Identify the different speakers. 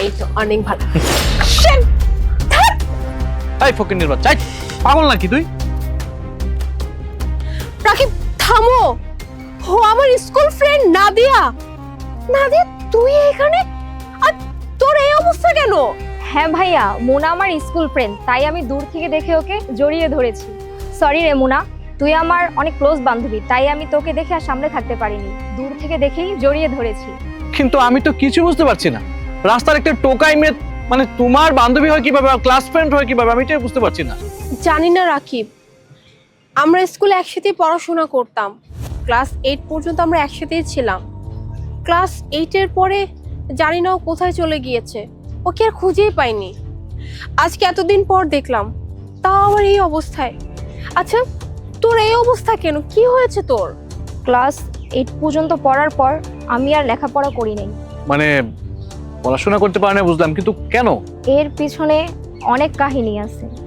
Speaker 1: এই তো অনেক ভালো।
Speaker 2: এই ফকিন্নির বাচ্চা, এই, পাগল নাকি তুই?
Speaker 1: রাকিব থামো, ও আমার স্কুল ফ্রেন্ড নাদিয়া। নাদিয়া তুই এখানে, আর তোর এই অবস্থা কেন?
Speaker 3: হ্যাঁ ভাইয়া, মোনা আমার স্কুল ফ্রেন্ড, তাই আমি দূর থেকে দেখে ওকে জড়িয়ে ধরেছি। সরি রে মোনা, তুই আমার অনেক ক্লোজ বান্ধবী, তাই আমি তোকে দেখে আর সামনে থাকতে পারিনি, দূর থেকে দেখেই জড়িয়ে ধরেছি।
Speaker 2: কিন্তু আমি তো কিছু বুঝতে পারছি না, রাস্তার একটা টোকাই মেয়ে মানে তোমার বান্ধবী হয় কিভাবে, ক্লাস ফ্রেন্ড হয় কিভাবে, আমি এটাই বুঝতে পারছি না।
Speaker 1: জানি না রাকিব, আমরা স্কুলে একসাথে পড়াশোনা করতাম, ক্লাস 8 পর্যন্ত আমরা একসাথেই ছিলাম। ক্লাস 8 এর পরে জানি না ও কোথায় চলে গিয়েছে, ওকে আর খুঁজেই পাইনি। আজকে এতদিন পর দেখলাম, তাও আবার এই অবস্থায়। আচ্ছা তোর এই অবস্থা কেন, কি হয়েছে তোর?
Speaker 3: ক্লাস 8 পর্যন্ত পড়ার পর আমি আর লেখাপড়া করি নাই।
Speaker 2: মানে পড়াশোনা করতে পারে না বুঝলাম, কিন্তু কেন?
Speaker 3: এর পিছনে অনেক কাহিনী আছে।